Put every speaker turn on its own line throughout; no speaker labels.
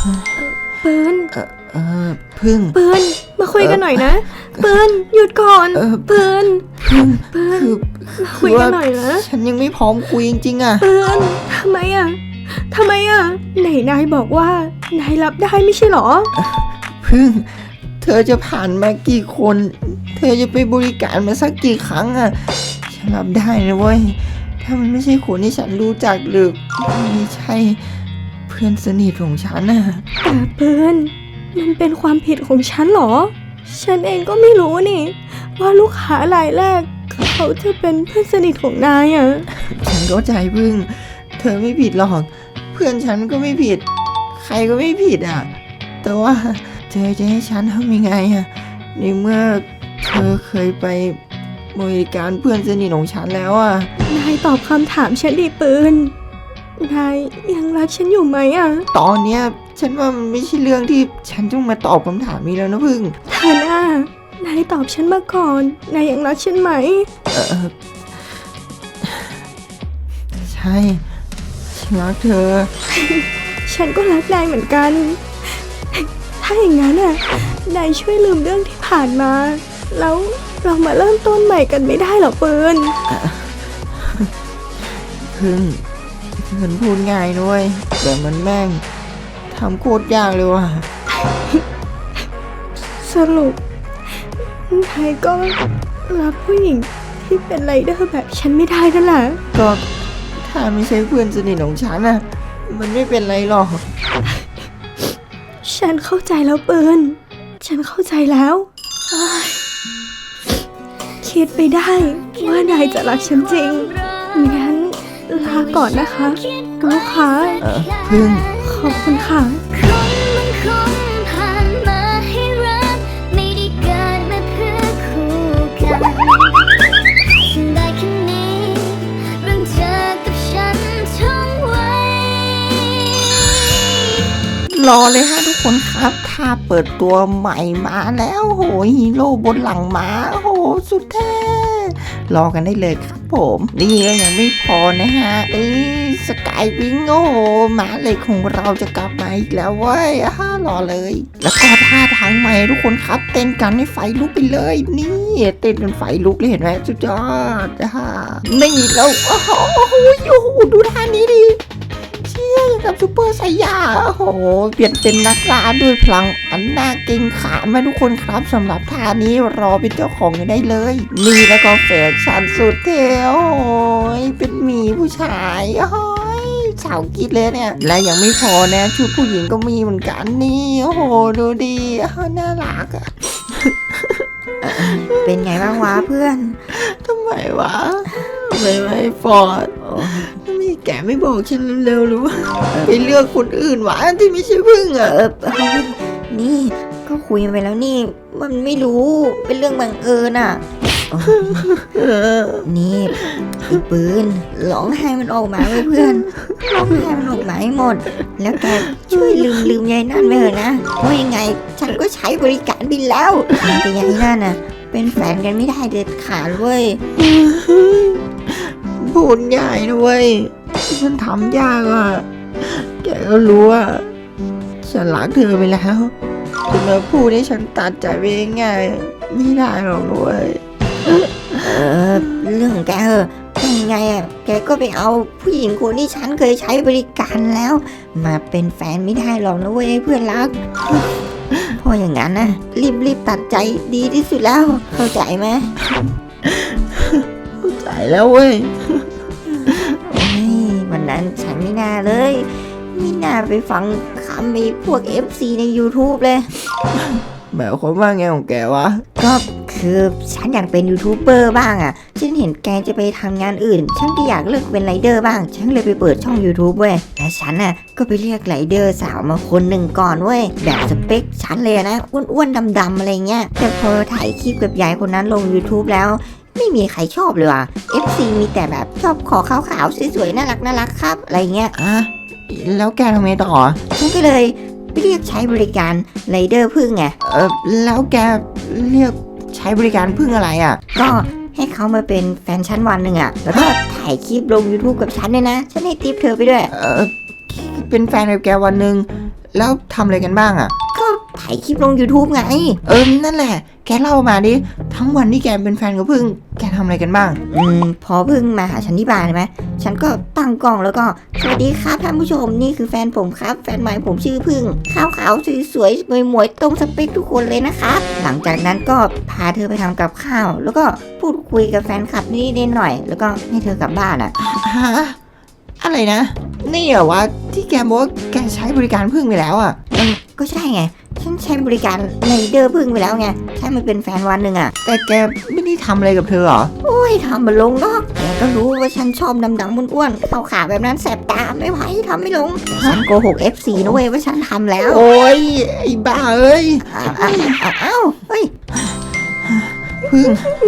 ปืน
พึ่ง
ปืนมาคุยกันหน่อยนะปืนหยุดก่อนปืนคุยกันหน่อยนะ
ฉันยังไม่พร้อมคุยจริงๆอ่ะ
ปืนทำไมไหนนายบอกว่านายรับได้ไม่ใช่หรอ
พึ่งเธอจะผ่านมากี่คนเธอจะไปบริการมาสักกี่ครั้งอ่ะฉันรับได้นะเว้ยถ้ามันไม่ใช่คนที่ฉันรู้จักหรือไม่ใช่เพื่อนสนิทของฉันน่ะ
แต่ปืนมันเป็นความผิดของฉันหรอฉันเองก็ไม่รู้นี่ว่าลูกค้ารายแรกเขาจะเป็นเพื่อนสนิทของนายอ่ะ
ฉันเข้าใจพึ่งเธอไม่ผิดหรอกเพื่อนฉันก็ไม่ผิดใครก็ไม่ผิดอ่ะแต่ว่าเธอจะให้ฉันทำยังไงอ่ะในเมื่อเธอเคยไปบริการเพื่อนสนิทของฉันแล้วอ่ะ
นายตอบคำถามฉันดิปืนนายยังรักฉันอยู่ไหมอ่ะ
ตอนเนี้ยฉันว่ามันไม่ใช่เรื่องที่ฉันต้องมาตอบคำถามนี้แล้วนะพึ่ง
เธอน่านายตอบฉันมาก่อนนายยังรักฉันไหม
ใช่ฉันรักเธอ
ฉันก็รักนายเหมือนกันถ้าอย่างนั้นน่ะนายช่วยลืมเรื่องที่ผ่านมาแล้วเรามาเริ่มต้นใหม่กันไม่ได้หรอปืน
พึ่งมันพูดง่ายด้วยแต่มันแม่งทำโคตรยากเลยว่ะ
สรุปนายก็รักผู้หญิงที่เป็นไรเดอร์แบบฉันไม่ได้นั่นแหละ
ก็ถ้าไม่ใช่เพื่อนสนิทของฉันน่ะมันไม่เป็นไรหรอก
ฉันเข้าใจแล้วปืนฉันเข้าใจแล้วคิดไปได้ว่านายจะรักฉันจริงงั้นลาก่อนนะคะลูกค้า
พึ่ง
ขอบคุณค่ะ
รอเลยฮะทุกคนครับถ้าเปิดตัวใหม่มาแล้วโหฮีโร่บนหลังม้าโหสุดแท้รอกันได้เลยครับผมนี่ก็ยังไม่พอนะฮะสกายวิงโอ้ม้าเหล็กของเราจะกลับมาอีกแล้วเว้ยรอเลยแล้วก็ท่าทางใหม่ทุกคนครับเต้นกันให้ไฟลุกไปเลยนี่เต้นจนไฟลุกเลยเห็นไหมสุดยอดนี่แล้วโอ้โหดูท่านี้ดิเชี่ยกับซูเปอร์ไซย่าโอ้โหเปลี่ยนเป็นนักล่าด้วยพลังอันน่าเกรงขามมาทุกคนครับสำหรับท่านี้รอเป็นเจ้าของกันได้เลยนี่แล้วก็แฟชั่นสุดเท่โอ้ยเป็นหมีผู้ชายโอ้ยสาวกิ๊ดเลยเนี่ยและยังไม่พอนะชุดผู้หญิงก็มีเหมือนกันนี่โอ้โหดูดีน่ารักอะ
เป็นไงบ้างวะเพื่อน
ทำไมวะไม่ฟอร์ดนี่แกไม่บอกฉันเร็วๆหรือว่าไปเลือกคนอื่นวะที่ไม่ใช่พึ่งอ่ะ
นี่ก็คุยไปแล้วนี่มันไม่รู้เป็นเรื่องบังเอิญอ่ะนี่ไอ้ปืนร้องไห้มันออกมาไว้เพื่อนร้องไห้มันออกมาให้หมดแล้วแกช่วยลืมยายนั่นไปเถอะนะเพราะยังไงฉันก็ใช้บริการบินแล้วแต่ยายนั่นน่ะเป็นแฟนกันไม่ได้เด็ดขาดเว้ย
พูดง่ายนะเว้ยมันทำยากอ่ะแกก็รู้ว่าฉันรักเธอไปแล้วจะมาพูดให้ฉันตัดใจไปง่ายไม่ได้หรอกเว้ย
เรื่องของแกเป็นยังไงอ่ะแกก็ไปเอาผู้หญิงคนที่ฉันเคยใช้บริการแล้วมาเป็นแฟนไม่ได้หรอกนะเว้ยเพื่อนรักเพราะอย่างนั้นนะรีบตัดใจดีที่สุดแล้วเข้าใจไหม
เข้าใจแล้วเว้ย
วันนั้นฉันไม่น่าเลยไม่น่าไปฟังคำไอ้พวก FC ใน YouTube เลย
หมายความว่าไงของแกวะ
ก็คือฉันอยากเป็นยูทูบเบอร์บ้างอ่ะฉันเห็นแกจะไปทำงานอื่นฉันก็อยากเลิกเป็นไรเดอร์บ้างฉันเลยไปเปิดช่อง YouTube เว้ยแต่ฉันน่ะก็ไปเรียกไรเดอร์สาวมาคนหนึ่งก่อนเว้ยแบบสเปคฉันเลยนะอ้วนๆดำๆอะไรเงี้ยแต่พอถ่ายคลิปกับยายคนนั้นลง YouTube แล้วไม่มีใครชอบเลยว่ะ FC มีแต่แบบชอบขอขาวๆสวยๆน่ารักครับอะไรเงี้ย
แล้วแกทำไงต่อ
ฉันก็เลยไปเรียกใช้บริการไรเดอร์พึ่งไง
แล้วแกเรียกใช้บริการพึ่งอะไรอ่ะ
ก็ให้เขามาเป็นแฟนฉันวันหนึ่งอ่ะแล้วก็ถ่ายคลิปลง YouTube กับฉันเลยนะฉันให้ทิปเธอไปด้วย
เป็นแฟนกับแกวันหนึ่งแล้วทำอะไรกันบ้างอ่ะ
ก็ถ่ายคลิปลง YouTube ไง
นั่นแหละ แกเล่ามาดิ ทั้งวันที่แกเป็นแฟนกับพึ่ง แกทำอะไรกันบ้าง
พอพึ่งมาหาฉันที่บ้านใช่ไหมฉันก็ตั้งกล้องแล้วก็สวัสดีครับท่านผู้ชมนี่คือแฟนผมครับแฟนใหม่ผมชื่อพึ่งขาวๆสวยๆหมวยๆตรงสเปคทุกคนเลยนะครับหลังจากนั้นก็พาเธอไปทำกับข้าว แล้วก็พูดคุยกับแฟนคลับนิดๆหน่อยๆแล้วก็ให้เธอกลับบ้านอ่ะ
ฮะ อะไรนะ นี่เหรอวะที่แกบอกว่าแกใช้บริการพึ่งไปแล้วอ่ะ
ก็ใช่ไงฉันใช้บริการไรเดอร์พึ่งไปแล้วไงใช่มันเป็นแฟนวันหนึ่งอ่ะ
แต่แกไม่ได้ทำอะไรกับเธอเหรอ
โอ้ยทำมาลงนอกแกก็รู้ว่าฉันชอบดำๆอ้วนๆขาวๆแบบนั้นแสบตาไม่ไหวทำไม่ลงแต่ฉันโกหก FC นะเว้ยว่าฉันทำแล้ว
โอ้ยไอ้บ้าเอ้ย
อ้าวเฮ้ย
พึ่ง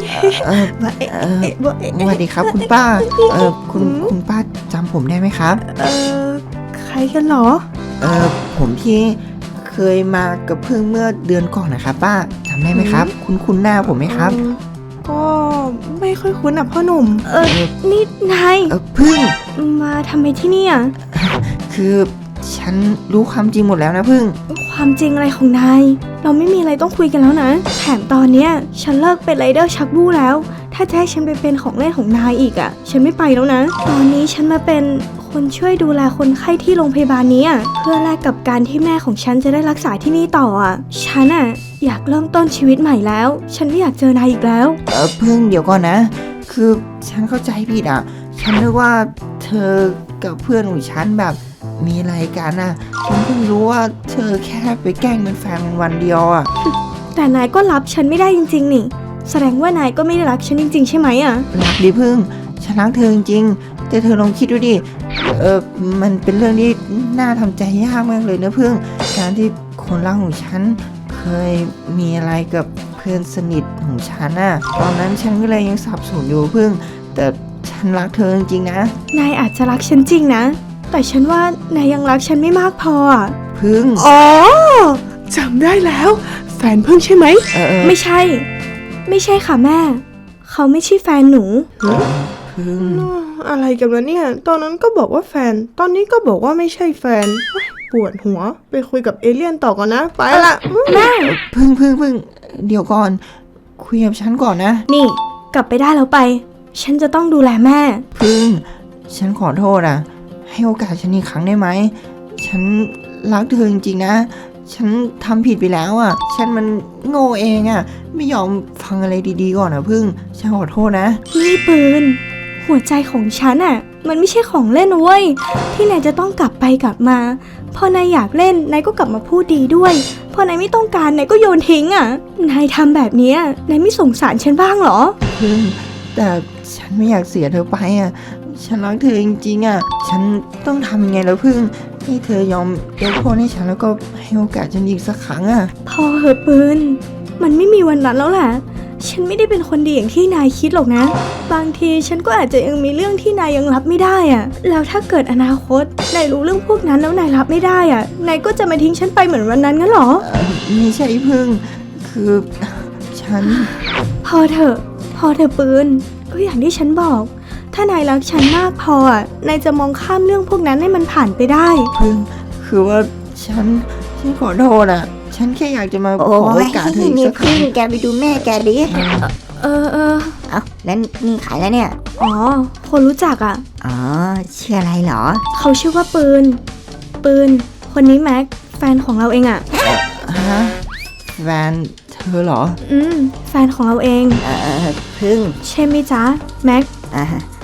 สวัสดีครับคุณป้า คุณป้าจำผมได้ไหมครับ
ใครกันเหรอ
ผมที่เคยมากับพึ่งเมื่อเดือนก่อนนะครับป้าจำได้ไหมครับ คุณหน้าผมไหมครับ
ก็ไม่ค่อยคุ้นอ่ะพ่อหนุ่ม นี่นาย
พึ่ง
มาทำไมที่นี่อ่ะ
คือฉันรู้ความจริงหมดแล้วนะพึ่ง
ความจริงอะไรของนาย เราไม่มีอะไรต้องคุยกันแล้วนะ แถมตอนเนี้ยฉันเลิกเป็นไรเดอร์ชักบู้แล้ว ถ้าจะให้ฉันไปเป็นของเล่นของนายอีกอ่ะ ฉันไม่ไปแล้วนะ ตอนนี้ฉันมาเป็นคนช่วยดูแลคนไข้ที่โรงพยาบาลนี้อ่ะเพื่อแลกกับการที่แม่ของฉันจะได้รักษาที่นี่ต่ออ่ะ ฉันอ่ะอยากเริ่มต้นชีวิตใหม่แล้ว ฉันไม่อยากเจอนายอีกแล้ว
พึ่งเดี๋ยวก่อนนะ คือฉันเข้าใจผิดอ่ะ ฉันนึกว่าเธอกับเพื่อนของฉันแบบมีอะไรกันอ่ะ ฉันเพิ่งรู้ว่าเธอแค่ไปแกล้งเป็นแฟนวันเดียวอ่ะ
แต่นายก็รับฉันไม่ได้จริงๆนี่ แสดงว่านายก็ไม่ได้รักฉันจริงๆใช่ไหมอ่ะ
รักดิพึ่ง ฉันรักเธอจริงๆแต่เธอลองคิดดูดิ มันเป็นเรื่องที่น่าทำใจยากมากเลยนะพึ่ง การที่คนรักของฉันเคยมีอะไรกับเพื่อนสนิทของฉันน่ะ ตอนนั้นฉันก็เลยยังสับสนอยู่พึ่ง แต่ฉันรักเธอจริงๆนะ
นายอาจจะรักฉันจริงนะ แต่ฉันว่านายยังรักฉันไม่มากพออ่ะ
พึ่ง
อ๋อจำได้แล้ว แฟนพึ่งใช่ไหม ไม่ใช่ ไม่ใช่ค่ะแม่ เขาไม่ใช่แฟนหนู
พึ่ง
อะไรกันวะเนี่ย ตอนนั้นก็บอกว่าแฟน ตอนนี้ก็บอกว่าไม่ใช่แฟนเฮ้ยปวดหัว ไปคุยกับเอเลี่ยนต่อก่อนนะ ไปละ
แม่
พึ่ง เดี๋ยวก่อน คุยกับฉันก่อนนะ
นี่ กลับไปได้แล้วไป ฉันจะต้องดูแลแม่
พึ่ง ฉันขอโทษอ่ะ ให้โอกาสฉันอีกครั้งได้ไหม ฉันรักเธอจริงๆนะ ฉันทำผิดไปแล้วอ่ะ ฉันมันโง่เองอ่ะ ไม่ยอมฟังอะไรดีๆก่อนนะพึ่ง ฉันขอโทษนะ
นี่ปืน หัวใจของฉันอ่ะ มันไม่ใช่ของเล่นนะเว้ย ที่นายจะต้องกลับไปกลับมา พอนายอยากเล่น นายก็กลับมาพูดดีด้วย พอนายไม่ต้องการ นายก็โยนทิ้งอ่ะ นายทำแบบเนี้ยนายไม่สงสารฉันบ้างเหรอ
พึ่ง แต่ฉันไม่อยากเสียเธอไปอ่ะ ฉันรักเธอจริงๆอ่ะ ฉันต้องทำยังไงแล้วพึ่ง ให้เธอยอมยกโทษให้ฉันแล้วก็ให้โอกาสฉันอีกสักครั้งอ่ะ
พอเหอะปืน มันไม่มีวันนั้นแล้วแหละ ฉันไม่ได้เป็นคนดีอย่างที่นายคิดหรอกนะ บางทีฉันก็อาจจะยังมีเรื่องที่นายยังรับไม่ได้อะแล้วถ้าเกิดอนาคตนายรู้เรื่องพวกนั้นแล้วนายรับไม่ได้อะนายก็จะมาทิ้งฉันไปเหมือนวันนั้นงั้นเหรอ
ไม่ใช่พึ่ง คือฉัน
พอเถอะปืน ก็อย่างที่ฉันบอก ถ้านายรักฉันมากพออะนายจะมองข้ามเรื่องพวกนั้นให้มันผ่านไปได้
พึ่ง คือว่าฉันขอโทษอ่ะ ฉันแค่อยากจะมาข
โอ้
อโอย กาสเธออีก
นี่
สักครั้
พึ่ง
ง
แกไปดูแม่แกดิ
เออ
เอ้าแล้วนี่ขายแล้วเนี่ย
อ๋อ คนรู้จักอะ
อ๋อชื่ออะไรเหรอ
เขาชื่อว่าปืน คนนี้แม็ก แฟนของเราเองอะ
ฮะแฟนเธอเหรอ
แฟนของเราเอง
พึ่ง
ใช่ไหมจ๊ะ แม็ก
อ่า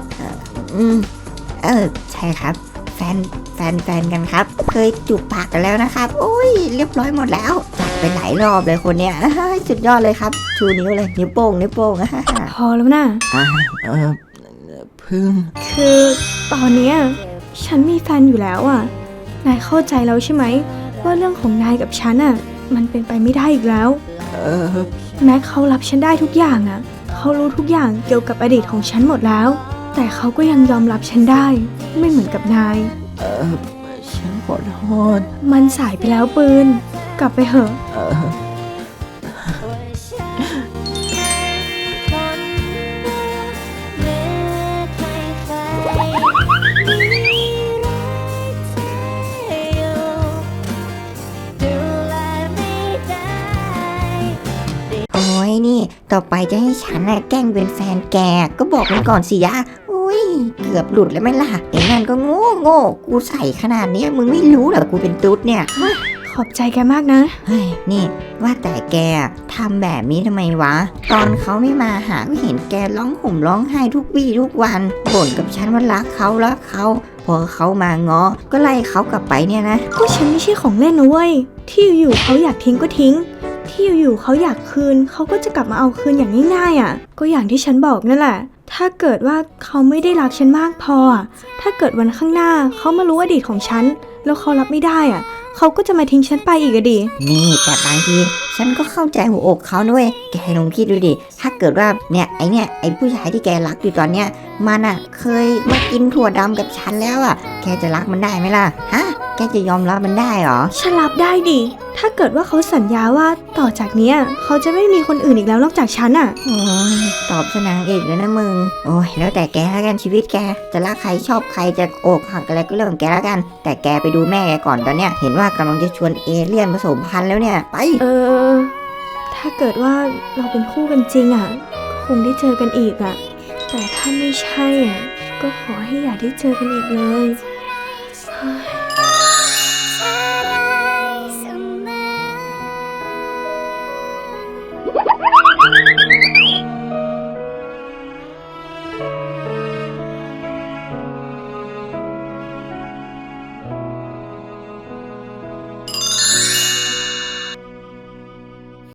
ใช่ครับ แฟนกันครับ เคยจูบปากกันแล้วนะครับ โอ้ยเรียบร้อยหมดแล้วจัดไปหลายรอบเลยคนเนี้ย สุดยอดเลยครับ ชูนิ้วเลยนิ้วโป้ง
พอแล้วนะ
พึ่ง
คือตอนเนี้ยฉันมีแฟนอยู่แล้วอ่ะ นายเข้าใจแล้วใช่ไหม ว่าเรื่องของนายกับฉันอ่ะ มันเป็นไปไม่ได้อีกแล้ว แม็กเขารับฉันได้ทุกอย่างอ่ะ เขารู้ทุกอย่างเกี่ยวกับอดีตของฉันหมดแล้ว แต่เขาก็ยังยอมรับฉันได้ ไม่เหมือนกับนาย
ฉันขอโทษ
มันสายไปแล้วปืน กลับไปเถอะ
เ
นี่ ต่อไปจะให้ฉันน่ะแกล้งเป็นแฟนแกก็บอกมันก่อนสิยะอุ้ยเกือบหลุดแล้วไหมล่ะไอ้นั่นก็โง่กูใส่ขนาดเนี้ยมึงไม่รู้เหรอกูเป็นตุ๊ดเนี่ย
ขอบใจแกมากนะ
เฮ้ยนี่ว่าแต่แกทำแบบนี้ทำไมวะ ตอนเขาไม่มาหาก็เห็นแกร้องห่มร้องไห้ทุกวี่ทุกวันบ่นกับฉันว่ารักเขาพอเขามาง้อก็ไล่เขากลับไปเนี่ยนะ
ก็ฉันไม่ใช่ของเล่นนะเว้ย ที่อยู่ๆเขาอยากทิ้งก็ทิ้ง ที่อยู่ๆเขาอยากคืนเขาก็จะกลับมาเอาคืนอย่างง่ายๆอ่ะ ก็อย่างที่ฉันบอกนั่นแหละ ถ้าเกิดว่าเขาไม่ได้รักฉันมากพออะถ้าเกิดวันข้างหน้าเขามารู้อดีตของฉันแล้วเขารับไม่ได้อ่ะเขาก็จะมาทิ้งฉันไปอีกอะดิ
นี่แต่บางทีฉันก็เข้าใจหัวอกเขาด้วยแกลองคิดดูดิถ้าเกิดว่าไอ้ผู้ชายที่แกรักอยู่ตอนเนี้ยมันอ่ะเคยมากินถั่วดำกับฉันแล้วอ่ะแกจะรักมันได้ไหมล่ะฮะแกจะยอมรับมันได้เหรอ
ฉันรับได้ดิ ถ้าเกิดว่าเขาสัญญาว่าต่อจากเนี้ยเขาจะไม่มีคนอื่นอีกแล้วนอกจากฉันอ่ะ
โอ้ยตอบสนางเอกเลยนะมึง โอ้ยแล้วแต่แกแล้วกันชีวิตแก จะรักใครชอบใครจะอกหักอะไรก็เรื่องของแกแล้วกัน แต่แกไปดูแม่แกก่อนตอนเนี้ยเห็นว่ากำลังจะชวนเอเลี่ยนผสมพันธุ์แล้วเนี่ย ไป
ถ้าเกิดว่าเราเป็นคู่กันจริงอ่ะก็คงได้เจอกันอีกอ่ะ แต่ถ้าไม่ใช่อ่ะก็ขอให้อย่าได้เจอกันอีกเลย